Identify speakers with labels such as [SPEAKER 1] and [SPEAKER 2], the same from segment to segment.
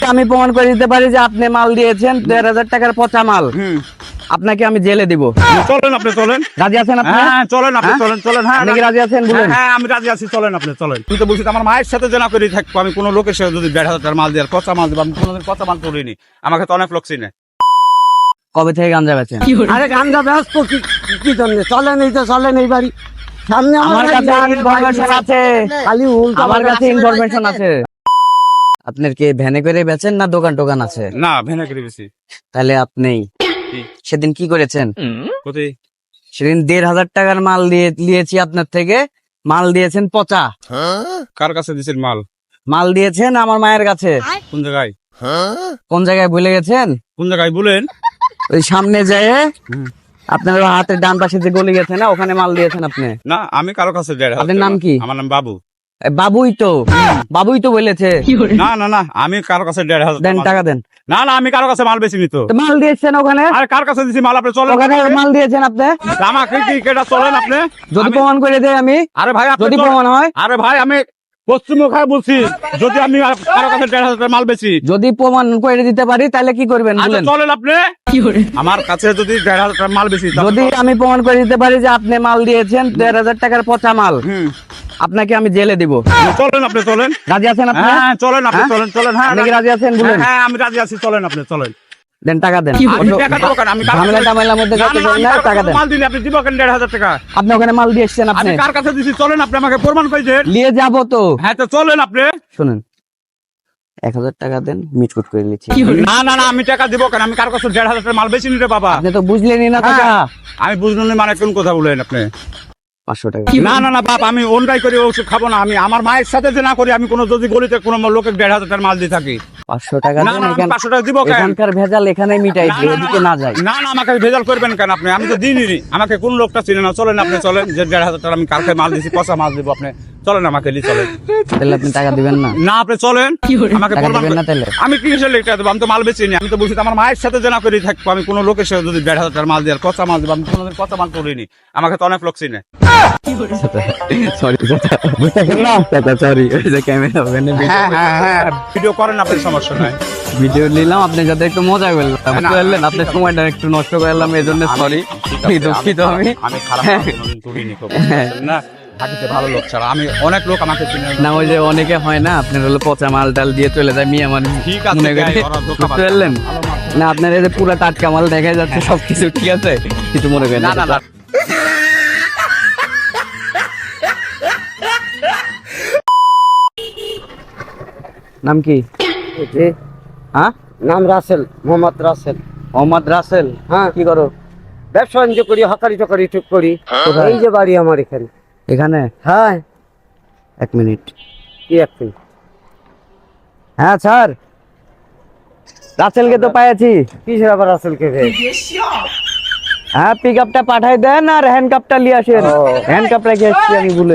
[SPEAKER 1] আমি প্রমাণ করে দিতে পারি যে আপনি মাল দিয়েছেন ১,৫০০ টাকার পচা মাল। আপনাকে আমি জেলে দিব।
[SPEAKER 2] চলেন আপনি, চলেন।
[SPEAKER 1] রাজি আছেন আপনি?
[SPEAKER 2] হ্যাঁ চলেন আপনি, চলেন চলেন। হ্যাঁ
[SPEAKER 1] আপনি কি রাজি আছেন বলুন?
[SPEAKER 2] হ্যাঁ আমি রাজি আছি, চলেন আপনি, চলেন। তুই তো বলছিস আমার মায়ের সাথে জেনা করে থাকবো, আমি কোনো লোকের সাথে যদি ১,৫০০ টাকার মাল দিয়ে পচা মাল দিব, আমি কোনোদিন পচা মাল করিনি। আমাকে তো অনেক লোক চিনে।
[SPEAKER 1] কবে থেকে গাঞ্জা বেচেন?
[SPEAKER 3] আরে গাঞ্জা ব্যস্ত কি জন্য? চলেন এই তো, চলেন এই বাড়ি সামনে
[SPEAKER 1] আমার কাছে ইনফরমেশন আছে,
[SPEAKER 3] খালি উল্টা
[SPEAKER 1] আমার কাছে ইনফরমেশন আছে। আপনার কি ভ্যানে করে বেচেন না দোকান টোকান আছে?
[SPEAKER 2] না ভেনে করে বেশি।
[SPEAKER 1] তাহলে আপনি সেদিন কি করেছেন?
[SPEAKER 2] কোথায়?
[SPEAKER 1] সেদিন ১,৫০০ টাকার মাল দিয়েছি আপনার থেকে, মাল দিয়েছেন পচা।
[SPEAKER 2] কার কাছে দিছেন মাল?
[SPEAKER 1] মাল দিয়েছেন আমার মায়ের কাছে।
[SPEAKER 2] কোন জায়গায়?
[SPEAKER 1] কোন জায়গায় ভুলে গেছেন?
[SPEAKER 2] কোন জায়গায় বলেন?
[SPEAKER 1] ওই সামনে যায় আপনার হাতের ডান পাশে যে গলি গেছে না, ওখানে মাল দিয়েছেন আপনি।
[SPEAKER 2] না আমি কারো কাছে ১,৫০০।
[SPEAKER 1] আপনার নাম কি?
[SPEAKER 2] আমার নাম বাবু।
[SPEAKER 1] বাবুই তো বলেছে।
[SPEAKER 2] না না না আমি কারো কাছে ১,৫০০
[SPEAKER 1] দেন টাকা দেন।
[SPEAKER 2] না না আমি কারো কাছে মাল বেচিনি তো।
[SPEAKER 1] তো মাল দিয়েছেন ওখানে,
[SPEAKER 2] আরে কার কাছে দিছি মাল? আপনি চলেন।
[SPEAKER 1] ওখানে মাল দিয়েছেন আপনি।
[SPEAKER 2] আমাকে কি কেটা চলেন আপনি?
[SPEAKER 1] যদি প্রমাণ করে দেয় আমি,
[SPEAKER 2] আরে ভাই আপনি
[SPEAKER 1] যদি
[SPEAKER 2] চলেন।
[SPEAKER 1] প্রমাণ হয়,
[SPEAKER 2] আরে ভাই আমি পশ্চিমবঙ্গে বলছি, যদি আমি কারো কাছে ১,৫০০ টাকার মাল বেচি,
[SPEAKER 1] যদি প্রমাণ করে দিতে পারি তাহলে কি করবেন
[SPEAKER 2] আচ্ছা
[SPEAKER 1] বলেন?
[SPEAKER 2] চলেন আপনি। আমার কাছে যদি ১,৫০০ টাকার মাল বেচি,
[SPEAKER 1] যদি আমি প্রমাণ করে দিতে পারি যে আপনি মাল দিয়েছেন ১,৫০০ টাকার পচা মাল, আপনাকে আমি জেলে দিব।
[SPEAKER 2] চলেন আপনি, চলেন।
[SPEAKER 1] রাজি আছেন আপনি?
[SPEAKER 2] হ্যাঁ চলেন আপনি, চলেন চলেন। হ্যাঁ
[SPEAKER 1] আপনি কি রাজি আছেন বলুন?
[SPEAKER 2] হ্যাঁ আমি রাজি আছি, চলেন আপনি, চলেন।
[SPEAKER 1] দেন টাকা দেন।
[SPEAKER 2] আমি টাকা দেবো কেন? আমি
[SPEAKER 1] ঝামেলা টামেলার মধ্যে
[SPEAKER 2] না,
[SPEAKER 1] যাতে
[SPEAKER 2] না, আমি
[SPEAKER 1] না,
[SPEAKER 2] কারো
[SPEAKER 1] টাকা
[SPEAKER 2] কাছে
[SPEAKER 1] দেন।
[SPEAKER 2] মাল দিলে আপনি দিব কেন ১,৫০০ টাকা?
[SPEAKER 1] আপনি ওখানে মাল দিয়ে এসছেন, আপনি
[SPEAKER 2] আমি কার কাছে দিছি চলেন আপনি আমাকে প্রমাণ করে দেন।
[SPEAKER 1] নিয়ে যাবো তো।
[SPEAKER 2] হ্যাঁ তো চলেন আপনি।
[SPEAKER 1] শুনেন, ১,০০০ টাকা দেন, মিটকুট করে নিচ্ছি।
[SPEAKER 2] না না না আমি টাকা দিব কেন? আমি কার কাছে ১,৫০০ টাকার মাল বেচি নি রে বাবা।
[SPEAKER 1] আপনি তো বুঝলেনই না টাকা।
[SPEAKER 2] আমি বুঝলাম না মানে কোন কথা বলেন আপনি?
[SPEAKER 1] ৫০০ টাকা।
[SPEAKER 2] না না না বাপ, আমি অন্যায় করে ওষুধ খাবো না। আমি আমার মায়ের সাথে যে না করি, আমি কোনো যদি গলিতে কোনো লোকের ১,৫০০ টাকার মাল দিয়ে থাকি।
[SPEAKER 1] ৫০০ টাকা
[SPEAKER 2] না
[SPEAKER 1] দেন।
[SPEAKER 2] না আমি 500 টাকা দিব কেন?
[SPEAKER 1] এখানকার ভেজাল এখানে মিটাই
[SPEAKER 2] না,
[SPEAKER 1] দিই,
[SPEAKER 2] না,
[SPEAKER 1] এদিকে না যায়।
[SPEAKER 2] না না আমাকে ভেজাল করবেন কেন আপনি? আমি তো দিইনি। আমাকে কোন লোকটা চিনে না। চলেন আপনি, চলেন। যে ১,৫০০ টাকা আমি কালকে মাল দিছি, পচা মাল দিব আপনি। চলেন আমাকে নিয়ে চলেন।
[SPEAKER 1] তাহলে আপনি টাকা দিবেন না?
[SPEAKER 2] না আপনি চলেন, আমাকে
[SPEAKER 1] টাকা
[SPEAKER 2] প্রমাণ
[SPEAKER 1] দিবেন না তাহলে?
[SPEAKER 2] আমি কিসের লেখা দেবো? আমি তো মাল বেচিনি। আমি তো বলছি আমার মায়ের সাথে জেনা করে থাকবো, আমি কোনো লোকের সাথে যদি ১,৫০০ টাকার মাল দিয়ে পচা মাল দিব, আমি কোনোদিন পচা মাল করিনি। আমাকে তো অনেক লোক চিনে।
[SPEAKER 1] সরি সরি, ওই যে ক্যামেরা ওখানে
[SPEAKER 2] হ্যাঁ হ্যাঁ হ্যাঁ ভিডিও করেন আপনি, সমস্যা নাই।
[SPEAKER 1] ভিডিও নিলাম, আপনি যাতে একটু মজা করলেন, আপনার সময়টা একটু নষ্ট করলাম, এই জন্য সরি, দুঃখিত আমি।
[SPEAKER 2] আমি খারাপ কাজ কোনোদিন করিনি, না থাকিতে ভালো লোক ছাড়া আমি অনেক লোক আমাকে চিনে
[SPEAKER 1] না। ওই যে অনেকে হয় না, আপনার হলো পচা মাল টাল দিয়ে চলে যায়, মিয়া মানুষ
[SPEAKER 2] ঠিক আছে,
[SPEAKER 1] মনে করে।
[SPEAKER 2] গায়ে ওরা ধোঁকা
[SPEAKER 1] বুঝতে পারলেন না? আপনার এই যে পুরো টাটকা মাল দেখা যাচ্ছে, সবকিছু ঠিক আছে, কিছু মনে করেন
[SPEAKER 2] না না না।
[SPEAKER 1] নাম কি? হ্যাঁ
[SPEAKER 3] নাম রাসেল, মোহাম্মদ রাসেল।
[SPEAKER 1] মোহাম্মদ রাসেল।
[SPEAKER 3] হ্যাঁ
[SPEAKER 1] কি করো?
[SPEAKER 3] ব্যবসা বাণিজ্য করি, হকারি টকারি ঠিক করি। এই যে বাড়ি আমার এখানে।
[SPEAKER 1] এখানে?
[SPEAKER 3] হ্যাঁ।
[SPEAKER 1] ১ মিনিট।
[SPEAKER 3] কি একটু?
[SPEAKER 1] হ্যাঁ স্যার, রাসেলকে তো পাইছি।
[SPEAKER 3] কিসের আবার রাসেলকে ভেবে?
[SPEAKER 1] হ্যাঁ, পিক আপটা পাঠাই দেন আর হ্যান্ড কাপটা নিয়ে আসেন। হ্যান্ড কাপ রেখে এসছি আমি ভুলে।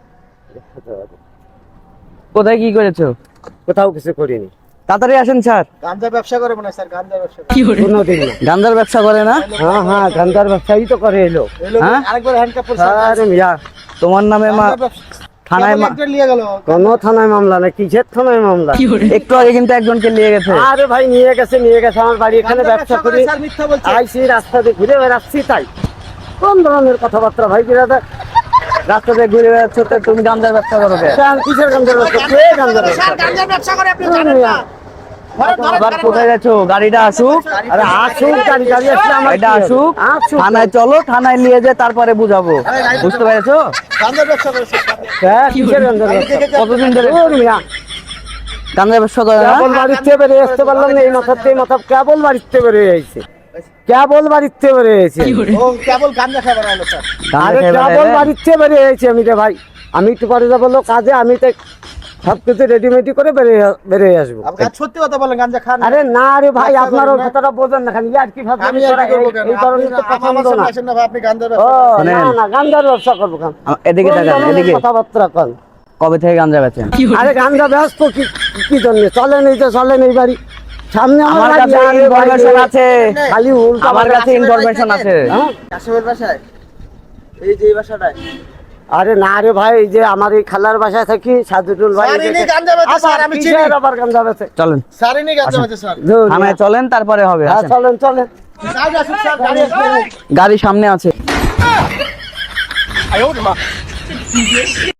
[SPEAKER 1] কোথায় কি করেছো?
[SPEAKER 3] কোথাও কিছু করিনি।
[SPEAKER 1] তাড়াতাড়ি আসেন স্যার।
[SPEAKER 3] গাঞ্জা ব্যবসা করে মনে হয় স্যার, গাঞ্জা ব্যবসা কোনোদিন না।
[SPEAKER 1] গাঞ্জার ব্যবসা করে না?
[SPEAKER 3] হ্যাঁ হ্যাঁ গাঞ্জার ব্যবসায়ী তো করে এলো।
[SPEAKER 1] হ্যাঁ?
[SPEAKER 3] আরেকবার হ্যান্ডকাপ পড়ছে। আরে মিয়া,
[SPEAKER 1] তোমার নামে থানায়
[SPEAKER 3] কোনো থানায় মামলা না। কিসের থানায় মামলা?
[SPEAKER 1] একটু আগে কিন্তু একজনকে নিয়ে গেছে।
[SPEAKER 3] আরে ভাই নিয়ে গেছে আমার বাড়ি এখানে ব্যবসা করি, আইসি রাস্তা দিয়ে ঘুরে বেড়াচ্ছি। তাই কোন ধরনের কথাবার্তা ভাই? বিরাদার
[SPEAKER 1] রাস্তাতে ঘুরে বেড়াচ্ছ, তো তুমি গাঞ্জার ব্যবসা করো কে?
[SPEAKER 3] কিসের গাঞ্জার ব্যবসা? কে গাঞ্জার ব্যবসা করে? আপনি জানেন না?
[SPEAKER 1] আবার কোথায় যাচ্ছ? গাড়িটা আসুক।
[SPEAKER 3] আরে আসুক, গাড়ি আসলে আমার
[SPEAKER 1] গাড়িটা আসুক, থানায় চলো, থানায় নিয়ে যে তারপরে বুঝাবো। বুঝতে পেরেছো?
[SPEAKER 3] গাঞ্জার ব্যবসা করে। হ্যাঁ, কিসের গাঞ্জার ব্যবসা?
[SPEAKER 1] কতদিন ধরে গাঞ্জার ব্যবসা করে না?
[SPEAKER 3] কেবল বাড়িতে বেরিয়ে আসতে পারলাম না, এই মাথাতে মাথা কেবল বাড়িতে বেরিয়ে আইছে, কেবল বাড়িতে বেরিয়ে আইছে।
[SPEAKER 4] কেবল গাঞ্জা খাবার আলো স্যার।
[SPEAKER 3] আরে কেবল বাড়িতে বেরিয়ে আইছে আমি রে ভাই। আমি একটু পরে যাবো কাজে, আমি তো সবকিছু রেডিমেডি করে বেরিয়ে আসবো।
[SPEAKER 4] সত্যি কথা বলেন, গাঞ্জা খান?
[SPEAKER 3] আরে না রে ভাই, আপনারও কথাটা বোঝেন না, খালি আর কি ভাবছেন?
[SPEAKER 4] আমি আর কি করব কেন?
[SPEAKER 3] এই ধরনের তো পছন্দ না।
[SPEAKER 4] আসেন না ভাই, আপনি গাঞ্জার
[SPEAKER 3] ও
[SPEAKER 4] ব্যবসা
[SPEAKER 3] না না, গাঞ্জার ব্যবসা করবো কেন?
[SPEAKER 1] এদিকে তাকান, এদিকে।
[SPEAKER 3] কথাবার্তা কন।
[SPEAKER 1] কবে থেকে গাঞ্জা বেচেন?
[SPEAKER 3] আরে গাঞ্জা ব্যস্ত কি জন্য? চলেন এই তো, চলেন এই বাড়ি সামনে
[SPEAKER 1] আমার কাছে ইনফরমেশন আছে,
[SPEAKER 3] খালি উল্টা।
[SPEAKER 1] আমার কাছে ইনফরমেশন আছে।
[SPEAKER 4] কাশিমের বাসায়, এই যে এই বাসাটায়
[SPEAKER 3] আরে না রে ভাই, এই যে আমার এই খালার বাসায় থাকি সাজুদুল ভাই,
[SPEAKER 4] স্যার, ইনি গাঞ্জা বেচে, স্যার, আমি চিনি।
[SPEAKER 3] আবার গাঞ্জা বেচে।
[SPEAKER 1] চলেন
[SPEAKER 4] স্যার ইনি গাঞ্জা বেচে স্যার।
[SPEAKER 3] ধুর,
[SPEAKER 1] থানায় চলেন, তারপরে হবে।
[SPEAKER 3] হ্যাঁ,
[SPEAKER 1] আসেন।
[SPEAKER 3] চলেন চলেন।
[SPEAKER 4] স্যার আসুন স্যার, গাড়ি আসবে।
[SPEAKER 1] গাড়ি সামনে আছে।